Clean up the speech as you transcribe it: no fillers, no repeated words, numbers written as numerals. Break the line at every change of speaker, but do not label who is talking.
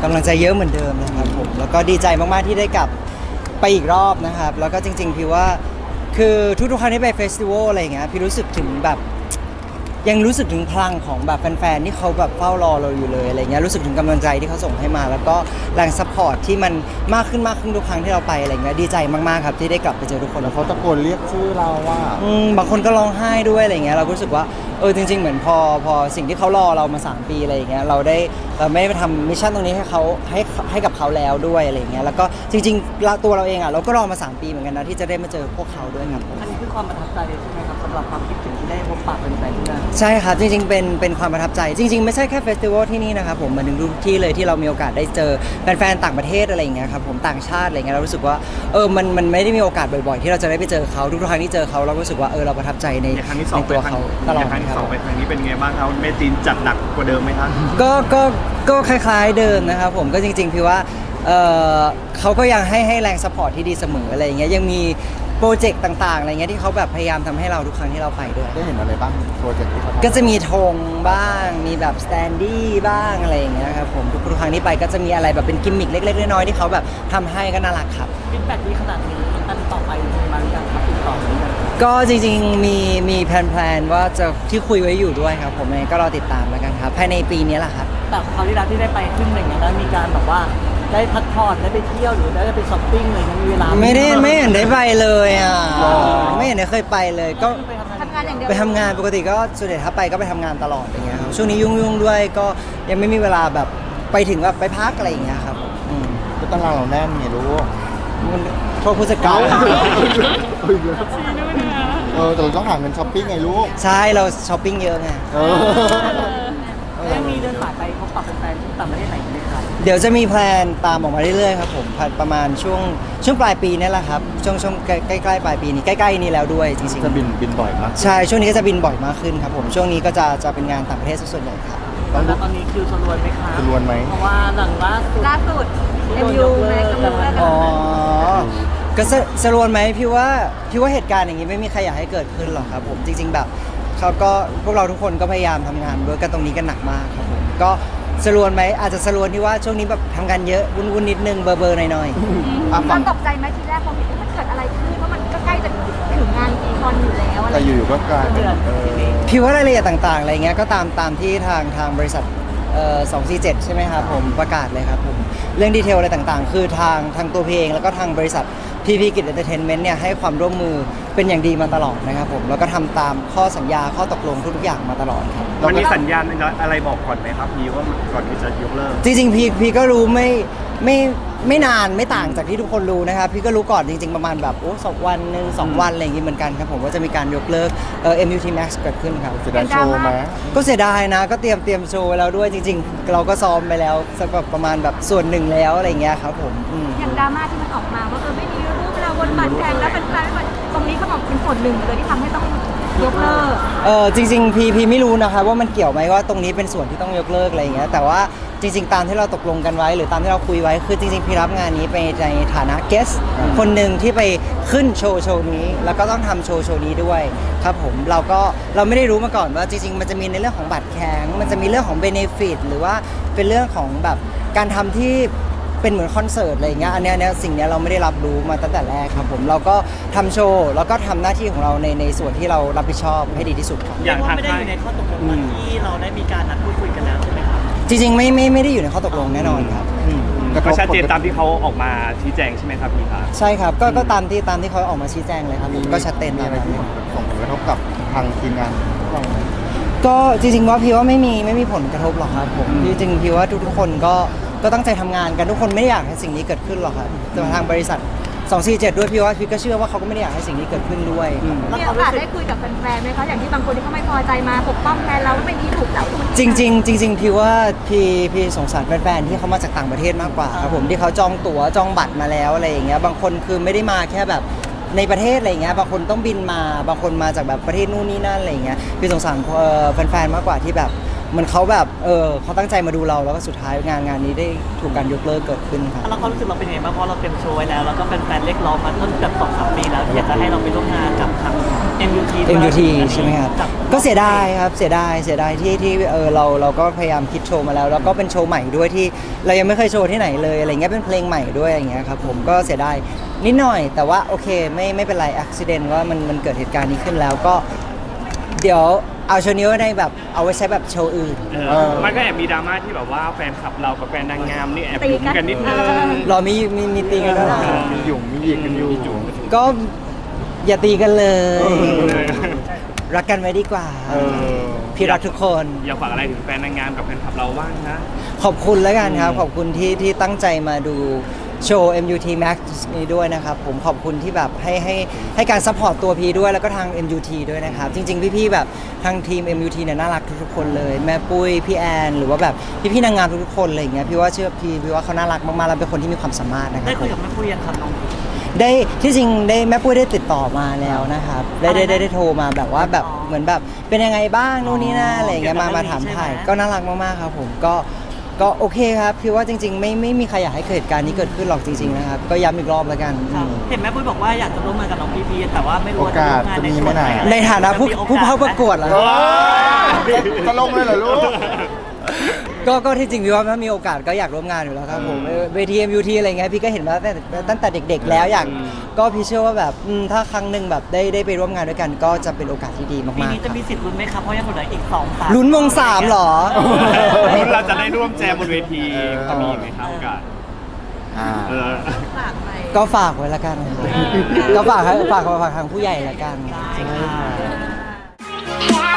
กำลังใจเยอะเหมือนเดิมนะครับผมแล้วก็ดีใจมากๆที่ได้กลับไปอีกรอบนะครับแล้วก็จริงๆพี่ว่าคือทุกๆครั้งที่ไปเฟสติวัลอะไรอย่างเงี้ยพี่รู้สึกถึงแบบยังรู้สึกถึงพลังของแบบแฟนๆที่เขาแบบเฝ้ารอเราอยู่เลยอะไรเงี้ยรู้สึกถึงกำลังใจที่เขาส่งให้มาแล้วก็แรงซัพพอร์ตที่มันมากขึ้นทุกครั้งที่เราไปอะไรเงี้ยดีใจมากๆครับที่ได้กลับไปเจอทุกคน
แล้วเขาตะโกนเรียกชื่อเราว่า
บางคนก็ร้องไห้ด้วยอะไรเงี้ยเราก็รู้สึกว่าจริงๆเหมือนพอสิ่งที่เขารอเรามา3 ปีอะไรอย่างเงี้ยเราได้ไม่ได้ไปทำมิชชั่นตรงนี้ให้เขาให้กับเขาแล้วด้วยอะไรเงี้ยแล้วก็จริงๆตัวเราเองอ่ะเราก็รอมา3 ปีเหมือนกันนะที่จะได้มาเจอพวกเขาด้วยครับ
อันนี้คือความประทับใจใช่ไหมครับสำหรับความคิดถึงที่ได้พบปะเป็นแฟนที่นั่น
ใช่ครับจริงๆเป็นความประทับใจจริงๆไม่ใช่แค่เฟสติวัลที่นี่นะครับผมเหมือนถึงทุกที่เลยที่เรามีโอกาสได้เจอแฟนๆต่างประเทศอะไรอย่างเงี้ยครับผมต่างชาติอะไรเงี้ยเรารู้สึกว่ามันไม่ได้มีโอกาสบ่อยๆที่เราจะได้ไปเจอเขาทุกครั้งที่เจอเขาเรารู้สึกว่าเราประทับใจในตัวเขาตลอด
ครั้งที่
ครับ
2ไปครั้งนี้เป็นไงบ้างครับเมจีนจัดหนักกว่าเดิมไหมครับ
ก็คล้ายๆเดิมนะครับผมก็จริงๆพี่ว่าเขาก็ยังให้แรงสปอร์ตที่ดีเสมออะไรอย่างเงี้ยยังมีโปรเจกต์ต่างๆอะไรเงี้ยที่เขาแบบพยายามทำให้เราทุกครั้งที่เราไปด้วย
ได้เห็นอะไรบ้างโปรเจกต์ที่เขาทำ
ก็จะมีธงบ้างมีแบบสแตนดี้บ้างอะไรอย่างเงี้ยครับผมทุกครั้งที่ไปก็จะมีอะไรแบบเป็นกิมมิคเล็กๆน้อยๆที่เขาแบบทำให้ก็น่ารักครับ
ฟีดแบ็กดีขนาดนี้อันต่อไปมีมาหรือยังครับติดต่อหรือยัง
ก็จริงๆมีแพลนๆว่าจะที่คุยไว้อยู่ด้วยครับผมเองก็รอติดตามแล้วกันครับภายในปีนี้แหละครับ
แต่คราวที่แล้วที่ได้ไปขึ้นอะไรเงี้ยได้มีการแบบว่าได้พักผ่อนได้ไปเที่ยวหรือได้ไปช้อปปิ้งเลยมีเวลา
ไม่เห็นได้ไปเลยอ่ะไม่เห็นได้เคยไปเลยก็
ไปทำงาน
ทำงานอย่างเดียว
ไปทำงานปกติก็ส่วนใหญ่ถ้าไปก็ไปทำงานตลอดอย่างเงี้ยครับช่วงนี้ยุ่งๆด้วยก็ยังไม่มีเวลาแบบไปถึงแบบไปพักอะไรอย่างเงี้ยครับอืม
ก็ตารางเราแน่นไงรู้
มันโทษผู้จัดการ
แต่เราต้องหาเงินช้อปปิ้งไงลูก
ใช่เราช้อปปิ้งเยอะไง
แล้วยังมีเดินสายไปพบปะแฟนๆที่ต่างประเทศไหนไหมครับ
เดี๋ยวจะมีแพลนตามออกมาเรื่อยๆครับผมประมาณช่วงปลายปีนี่แหละครับช่วงใกล้ๆปลายปีนี้ใกล้ๆนี้แล้วด้วยจริง
จะบินบ่อยมาก
ๆใช่ช่วงนี้ก็จะบินบ่อยมากขึ้นครับผมช่วงนี้ก็จะเป็นงานต่างประเทศซะส่วนใหญ่ครับ
แล้วตอนนี้คิวชลวนไหมครับ
จำนวนไหม
เพราะว่าหลังล่าสุด
MU แม็กกำลังเลิกกัน
อ๋อก็สรวนไหมพี่ว่าเหตุการณ์อย่างนี้ไม่มีใครอยากให้เกิดขึ้นหรอกครับผมจริง ๆ แบบเขาก็พวกเราทุกคนก็พยายามทำงานด้วยกันตรงนี้กันหนักมากครับผมก็สรวนไหมอาจจะสรวนที่ว่าช่วงนี้แบบทำงานเยอะวุ่นๆนิดนึงเบอร์หน่อยๆ
ตอนตกใจไหมทีแรกพอเห็นว่ามันเกิดอะไรขึ้นเพราะมันก็ใกล้จะถึงงานอีคอนอยู่แล้วอะไร
แต่อยู่ๆก็กลายเป็น
พี่ว่ารายละเอียดต่างๆอะไรเงี้ยก็ตามที่ทางบริษัท247ใช่ไหมครับผมประกาศเลยครับผมเรื่องดีเทลอะไรต่างๆ คือทางตัวพี่เองแล้วก็ทางบริษัทพีพีกิจเอนเตอร์เทนเมนต์เนี่ยให้ความร่วมมือเป็นอย่างดีมาตลอดนะครับผมแล้วก็ทำตามข้อสัญญาข้อตกลงทุกๆอย่างมาตลอดครับ
มันมีสัญญาณอะไรบอกก่อนไหมครับพี่ว่าก่อนที่จะยกเลิก
จริงๆพี่ก็รู้ไม่นานไม่ต่างจากที่ทุกคนรู้นะครับพี่ก็รู้ก่อนจริงๆประมาณแบบ2 วันหนึ่ง2 วันอะไรอย่างงี้เหมือนกันครับผมว่าจะมีการยกเลิกMUT Max เกิดขึ้นครับ
เสียดายโชว์ไหม
ก็เสียดายนะก็เตรียมโชว์ไว้แล้วด้วยจริงๆ เราก็ซ้อมไปแล้วสักแบบประมาณแบบส่วนหนึ่งแล้วอะไรเงี้ยครับผม
อย่างดราม่าที่มันออกมาว่าไม่มีรูปเราบนบัตรแทนแล้วเป็นแฟนไม่ตรงนี้เขาบอกเป็นส่วนหนึ่งเลยที่ทำให้ต้องยกเลิก
จริงๆพี่ไม่รู้นะคะว่ามันเกี่ยวไหมว่าตรงนี้เป็นส่วนที่ต้องยกเลิกอะไรอย่างเงี้ยแต่ว่าจริงๆตามที่เราตกลงกันไว้หรือตามที่เราคุยไว้คือจริงๆพี่รับงานนี้ไปในฐานะเกสคนหนึ่งที่ไปขึ้นโชว์นี้แล้วก็ต้องทำโชว์นี้ด้วยครับผมเราไม่ได้รู้มาก่อนว่าจริงๆมันจะมีในเรื่องของบัตรแข็งมันจะมีเรื่องของเบเนฟิตหรือว่าเป็นเรื่องของแบบการทำที่เป็นเหมือนคอนเสิร์ตอะไรอย่างเงี้ยอันเนี้ยสิ่งเนี้ยเราไม่ได้รับรู้มาตั้งแต่แรกครับผมเราก็ทำโชว์แล้วก็ทำหน้าที่ของเราในส่วนที่เรารับผิดชอบให้ดีที่สุดครับ
อย่างทาง
ไม่ได้
ค่า
อย ยู่ในข้อตกลงตอนที่เราได้มีการนัดพูดคุยกันแล้วใช่ไหมครับ
จริงๆไม่ได้อยู่ในข้อตกลงแน่นอนครับ
ก็ชัดเจนตามที่เขาออกมาชี้แจงใช่ไหมครับพี่ครับ
ใช่ครับก็ตามที่เขาออกมาชี้แจงเลยครับผมก็ชัดเจน
มี
ตาม
อะไร
นั้น
ที่ส่งผลกระทบกับทางทีมงานพวกเราไหม
ก็จริงๆว่าพี่ว่าไม่มีผลกระทบหรอกครับผมจริงๆพี่ว่าทุกๆคนก็ตั้งใจทำงานกันทุกคนไม่ได้อยากให้สิ่งนี้เกิดขึ้นหรอกครับแต่ทางบริษัท247ด้วยพี่ว่าพี่ก็เชื่อว่าเขาก็ไม่ได้อยากให้สิ่งนี้เกิดขึ้นด้วย
มีโอกาสได้คุยกับแฟนๆไหมคะอย่างที่บางคนที่เขาไม่พอใจมาปกป้องแทนเราไม่ดีถูกแล้ว
จริงๆพี่ว่าพี่สงสารแฟนๆที่เขามาจากต่างประเทศมากกว่าครับผมที่เขาจองตั๋วจองบัตรมาแล้วอะไรอย่างเงี้ยบางคนคือไม่ได้มาแค่แบบในประเทศอะไรอย่างเงี้ยบางคนต้องบินมาบางคนมาจากแบบประเทศนู่นนี่นั่นอะไรอย่างเงี้ยพี่สงสารแฟนๆมากกว่าที่แบบเหมันเขาแบบเขาตั้งใจมาดูเราแล้วก็สุดท้ายงานนี้ได้ถูกการยกเลิกเกิดขึ้นครับ
แล้วความรู้สึกเราเป็นยังไงบ้างเพราะเราเตรียมโชว์ไว้แล้วแล้วก็เป็นแฟนเรียกร้องมาตั้งแต่2-3 ปีแล้วที่อยากจะให้เราไปร่วมงานกับทาง MUT
MUT ใช่ไหมครับก็เสียดายครับเสียดายที่เราก็พยายามคิดโชว์มาแล้วแล้วก็เป็นโชว์ใหม่ด้วยที่เรายังไม่เคยโชว์ที่ไหนเลยอะไรเงี้ยเป็นเพลงใหม่ด้วยอย่างเงี้ยครับผมก็เสียดายนิดหน่อยแต่ว่าโอเคไม่เป็นไรอุบิเหตุว่ามันเกิดเหตุการณ์นี้ขึ้นแล้วก็เดี๋ยวเอาโชว์นี้ไว้ในแบบเอาไว้ใช้แบบโชว์อื่น
มันก็แอบมีดราม่าที่แบบว่าแฟนคลับเรากับแฟนนางงามนี่แอบยุ่งกันนิดนึง
รอมีตีกันด้วยเหรอ
มีหยุ่งมีหยิกกันอยู่
ก็อย่าตีกันเลย รักกันไว้ดีกว่า พี่รักทุกคน
อยากฝากอะไรถึงแฟนนางงามกับแฟนคลับเราบ้างนะ
ขอบคุณแล้วกันครับ ขอบคุณที่ตั้งใจมาดูโชว์ MUT Max นี้ด้วยนะครับ ผมขอบคุณที่แบบให้การซัพพอร์ตตัวพีด้วยแล้วก็ทาง MUT ด้วยนะครับ จริงๆ พี่ๆแบบทางทีม MUT เนี่ยน่ารักทุกๆคนเลย แม่ปุ้ยพี่แอนหรือว่าแบบพี่ๆนางงามทุกๆคนอะไรอย่างเงี้ยพี่ว่าเชื่อพี่ว่าเขาน่ารักมากๆแล้วเป็นคนที่มีความสามารถนะครั
ได้
บ
คุยกับแม่ปุ้ยยังครับน้อง
ได้ที่จริงได้แม่ปุ้ยได้ติดต่อมาแล้วนะครับได้โทรมาแบบว่าแบบเหมือนแบบเป็นยังไงบ้างนู่นนี่นั่นอะไรอย่างเงี้ยมาถามถ่ายก็น่ารักมากๆครับผมก็โอเคครับพี่ว่าจริงๆไม่มีใครอยากให้เกิดเหตุการณ์นี้เกิดขึ้นหรอกจริงๆนะครับก็ย้ำอีกรอบแล้วกัน
เห็นแม่ปุ้ยบอกว่าอยากจะร่วมงานกับน้องพีแต่ว่าไม่รู้ว่าจะร่วมงานในส่วนไหน
ในฐานะผู้เข้าประกวดเหรอ
จะลงเลยเหรอลูก
ก็ที่จริงพี่ว่าถ้ามีโอกาสก็อยากร่วมงานอยู่แล้วครับผมเวที MUT อะไรเงี้ยพี่ก็เห็นมาตั้งแต่เด็กๆแล้วก็พี่เชื่อว่าแบบถ้าครั้งหนึ่งแบบได้ไปร่วมงานด้วยกันก็จะเป็นโอกาสที่ดี
ปี
มาก
นี้
ๆ
จะมีสิทธิ์ลุ้นไหมครับเพราะยังเหลืออีก2 3
ลุ้นวง3เหรอ
รุ่นเราจะได้ร่วมแจมบนเวทีจะมีไหมครับโอกาส
ฝากไป
ก็ฝากไว้ละกันครับก็ฝากทางผู้ใหญ่ละกัน
ได้ค่ะ
Yeah.